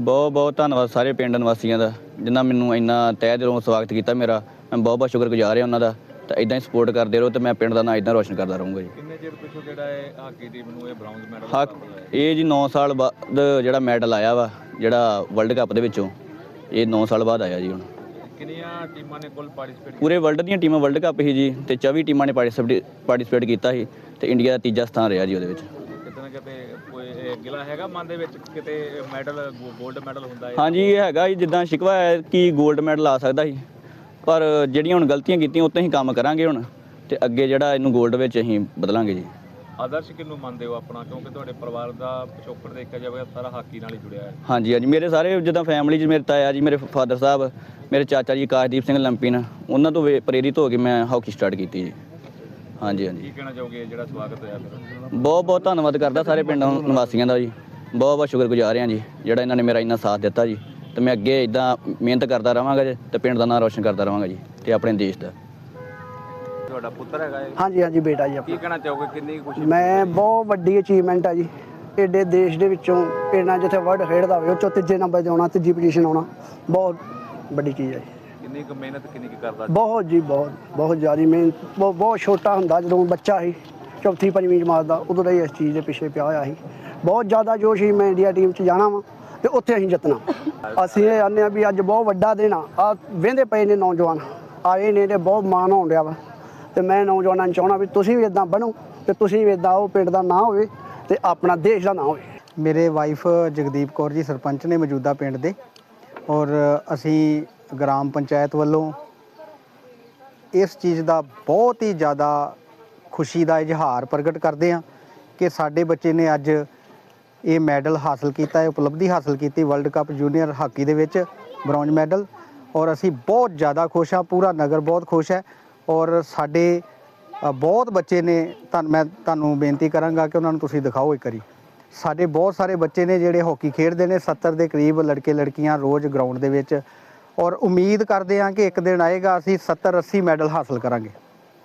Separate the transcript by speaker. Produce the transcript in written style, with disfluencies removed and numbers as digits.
Speaker 1: बहुत बहुत धन्नवाद सारे पिंड निवासियों का जिन्हें मैनू इन्ना तह दिलों स्वागत किया मेरा। मैं बहुत बहुत शुक्रगुजार हाँ उन्होंने। तो इदा ही सपोर्ट करते रहो तो मैं पिंड का नाम इदा रोशन करता रहूँगा जी।
Speaker 2: किन्ने चिर पिछों जिहड़ा हाकी टीम नूं इह ब्राउंज मैडल
Speaker 1: हाँ ये जी 9 साल बाद जिहड़ा मैडल आया वा जिहड़ा वर्ल्ड कप दे विचों ये 9 साल बाद आया जी। हुण
Speaker 2: किन्नियां टीमां ने कुल पार्टिसिपेट
Speaker 1: पूरे वर्ल्ड ਦੀਆਂ ਟੀਮਾਂ वर्ल्ड कप ही जी ਤੇ 24 ਟੀਮਾਂ ਨੇ ਪਾਰਟਿਸਿਪੇਟ ਕੀਤਾ ਸੀ ਤੇ ਇੰਡੀਆ ਦਾ ਤੀਜਾ ਸਥਾਨ ਰਿਹਾ ਜੀ ਉਹਦੇ ਵਿੱਚ।
Speaker 2: ਕਿਤੇ ਨਾ ਕਿਤੇ ਕੋਈ ਗਿਲਾ ਹੈਗਾ ਮਨ ਦੇ ਵਿੱਚ ਕਿਤੇ ਮੈਡਲ 골ਡ ਮੈਡਲ ਹੁੰਦਾ ਹੈ?
Speaker 1: ਹਾਂਜੀ ਇਹ ਹੈਗਾ ਜੀ ਜਿੱਦਾਂ ਸ਼ਿਕਵਾ ਹੈ ਕਿ 골ਡ ਮੈਡਲ ਆ ਸਕਦਾ ਸੀ ਪਰ ਜਿਹੜੀਆਂ ਹੁਣ ਗਲਤੀਆਂ ਕੀਤੀਆਂ ਉੱਤੇ ਅਸੀਂ ਕੰਮ ਕਰਾਂਗੇ ਹੁਣ ਤੇ ਅੱਗੇ ਜਿਹੜਾ ਇਹਨੂੰ 골ਡ ਵਿੱਚ ਅਸੀਂ ਬਦਲਾਂਗੇ ਜੀ।
Speaker 2: ਆਦਰਸ਼ ਕਿਹਨੂੰ ਮੰਨਦੇ ਹੋ ਆਪਣਾ ਕਿਉਂਕਿ ਤੁਹਾਡੇ ਪਰਿਵਾਰ ਦਾ ਪਿਛੋਕੜ ਦੇਖਿਆ ਜਾਵੇ ਸਾਰਾ ਹਾਕੀ ਨਾਲ ਹੀ ਜੁੜਿਆ ਹੈ?
Speaker 1: ਹਾਂਜੀ ਹਾਂਜੀ ਮੇਰੇ ਸਾਰੇ ਜਿੱਦਾਂ ਫੈਮਿਲੀ 'ਚ ਮੇਰੇ ਤਾਇਆ ਜੀ ਮੇਰੇ ਫਾਦਰ ਸਾਹਿਬ ਮੇਰੇ ਚਾਚਾ ਜੀ ਆਕਾਸ਼ਦੀਪ ਸਿੰਘ ਲੰਪੀਨ ਉਹਨਾਂ ਤੋਂ ਪ੍ਰੇਰਿਤ ਹੋ ਕੇ ਮੈਂ ਹਾਕੀ ਸਟਾਰਟ ਕੀਤੀ ਜੀ। ਹਾਂਜੀ ਹਾਂਜੀ
Speaker 2: ਕੀ ਕਹਿਣਾ ਚਾਹੋਗੇ ਜਿਹੜਾ ਸਵਾਗਤ ਹੋਇਆ ਫਿਰ?
Speaker 1: ਬਹੁਤ ਬਹੁਤ ਧੰਨਵਾਦ ਕਰਦਾ ਸਾਰੇ ਪਿੰਡ ਨਿਵਾਸੀਆਂ ਦਾ ਜੀ। ਬਹੁਤ ਬਹੁਤ ਸ਼ੁਕਰਗੁਜ਼ਾਰ ਹਾਂ ਜੀ ਜਿਹੜਾ ਇਹਨਾਂ ਨੇ ਮੇਰਾ ਇੰਨਾ ਸਾਥ ਦਿੱਤਾ ਜੀ। ਤੇ ਮੈਂ ਅੱਗੇ ਇਦਾਂ ਮਿਹਨਤ ਕਰਦਾ ਰਹਾਂਗਾ ਜੀ ਤੇ ਪਿੰਡ ਦਾ ਨਾਮ ਰੋਸ਼ਨ ਕਰਦਾ ਰਹਾਂਗਾ ਜੀ ਤੇ ਆਪਣੇ ਦੇਸ਼ ਦਾ।
Speaker 2: ਤੁਹਾਡਾ ਪੁੱਤਰ ਹੈਗਾ ਇਹ?
Speaker 3: ਹਾਂਜੀ ਹਾਂਜੀ ਬੇਟਾ ਜੀ
Speaker 2: ਕੀ ਕਹਿਣਾ ਚਾਹੋਗੇ ਕਿੰਨੀ ਖੁਸ਼ੀ?
Speaker 3: ਮੈਂ ਬਹੁਤ ਵੱਡੀ ਅਚੀਵਮੈਂਟ ਆ ਜੀ ਏਡੇ ਦੇਸ਼ ਦੇ ਵਿੱਚੋਂ ਇੰਨਾ ਜਿੱਥੇ ਵਰਲਡ ਖੇਡਦਾ ਹੋਵੇ ਉਹ 'ਚੋਂ ਤੀਜੇ ਨੰਬਰ 'ਤੇ ਆਉਣਾ, ਤੀਜੀ ਪੋਜੀਸ਼ਨ ਆਉਣਾ ਬਹੁਤ ਵੱਡੀ ਚੀਜ਼ ਹੈ ਜੀ।
Speaker 2: ਕਿੰਨੀ ਕੁ ਮਿਹਨਤ ਕਿੰਨੀ ਕੁ ਕਰਦਾ?
Speaker 3: ਬਹੁਤ ਜੀ ਬਹੁਤ ਬਹੁਤ ਜ਼ਿਆਦਾ ਮਿਹਨਤ। ਬਹੁਤ ਛੋਟਾ ਹੁੰਦਾ ਜਦੋਂ ਬੱਚਾ ਸੀ ਚੌਥੀ ਪੰਜਵੀਂ ਜਮਾਤ ਦਾ ਉਦੋਂ ਦਾ ਹੀ ਇਸ ਚੀਜ਼ ਦੇ ਪਿੱਛੇ ਪਿਆ ਹੋਇਆ ਸੀ। ਬਹੁਤ ਜ਼ਿਆਦਾ ਜੋਸ਼ ਸੀ ਮੈਂ ਇੰਡੀਆ ਟੀਮ 'ਚ ਜਾਣਾ ਵਾ ਤੇ ਉੱਥੇ ਅਸੀਂ ਜਿੱਤਣਾ। ਅਸੀਂ ਇਹ ਆਨੇ ਆ ਵੀ ਅੱਜ ਬਹੁਤ ਵੱਡਾ ਦਿਨ ਆ ਵਹਿੰਦੇ ਪਏ ਨੇ ਨੌਜਵਾਨ ਆਏ ਨੇ ਤੇ ਬਹੁਤ ਮਾਣ ਹੋਣ ਰਿਹਾ ਵਾ ਤੇ ਮੈਂ ਨੌਜਵਾਨਾਂ ਨੂੰ ਚਾਹੁੰਦਾ ਵੀ ਤੁਸੀਂ ਵੀ ਇਦਾਂ ਬਣੋ ਤੇ ਤੁਸੀਂ ਵੀ ਇਦਾਂ ਉਹ ਪਿੰਡ ਦਾ ਨਾਂ ਹੋਵੇ ਤੇ ਆਪਣਾ ਦੇਸ਼ ਦਾ ਨਾਂ ਹੋਵੇ।
Speaker 4: ਮੇਰੇ ਵਾਈਫ ਜਗਦੀਪ ਕੌਰ ਜੀ ਸਰਪੰਚ ਨੇ ਮੌਜੂਦਾ ਪਿੰਡ ਦੇ ਔਰ ਅਸੀਂ ਗ੍ਰਾਮ ਪੰਚਾਇਤ ਵੱਲੋਂ ਇਸ ਚੀਜ਼ ਦਾ ਬਹੁਤ ਹੀ ਜ਼ਿਆਦਾ ਖੁਸ਼ੀ ਦਾ ਇਜ਼ਹਾਰ ਪ੍ਰਗਟ ਕਰਦੇ ਹਾਂ ਕਿ ਸਾਡੇ ਬੱਚੇ ਨੇ ਅੱਜ ਇਹ ਮੈਡਲ ਹਾਸਲ ਕੀਤਾ ਹੈ, ਉਪਲਬਧੀ ਹਾਸਲ ਕੀਤੀ ਵਰਲਡ ਕੱਪ ਜੂਨੀਅਰ ਹਾਕੀ ਦੇ ਵਿੱਚ ਬ੍ਰੌਂਜ ਮੈਡਲ ਔਰ ਅਸੀਂ ਬਹੁਤ ਜ਼ਿਆਦਾ ਖੁਸ਼ ਹਾਂ। ਪੂਰਾ ਨਗਰ ਬਹੁਤ ਖੁਸ਼ ਹੈ ਔਰ ਸਾਡੇ ਬਹੁਤ ਬੱਚੇ ਨੇ ਮੈਂ ਤੁਹਾਨੂੰ ਬੇਨਤੀ ਕਰਾਂਗਾ ਕਿ ਉਹਨਾਂ ਨੂੰ ਤੁਸੀਂ ਦਿਖਾਓ ਇੱਕ ਵਾਰੀ। ਸਾਡੇ ਬਹੁਤ ਸਾਰੇ ਬੱਚੇ ਨੇ ਜਿਹੜੇ ਹਾਕੀ ਖੇਡਦੇ ਨੇ 70 ਦੇ ਕਰੀਬ ਲੜਕੇ ਲੜਕੀਆਂ ਰੋਜ਼ ਗਰਾਊਂਡ ਦੇ ਵਿੱਚ ਔਰ ਉਮੀਦ ਕਰਦੇ ਹਾਂ ਕਿ ਇੱਕ ਦਿਨ ਆਏਗਾ ਅਸੀਂ 70-80 ਮੈਡਲ ਹਾਸਲ ਕਰਾਂਗੇ।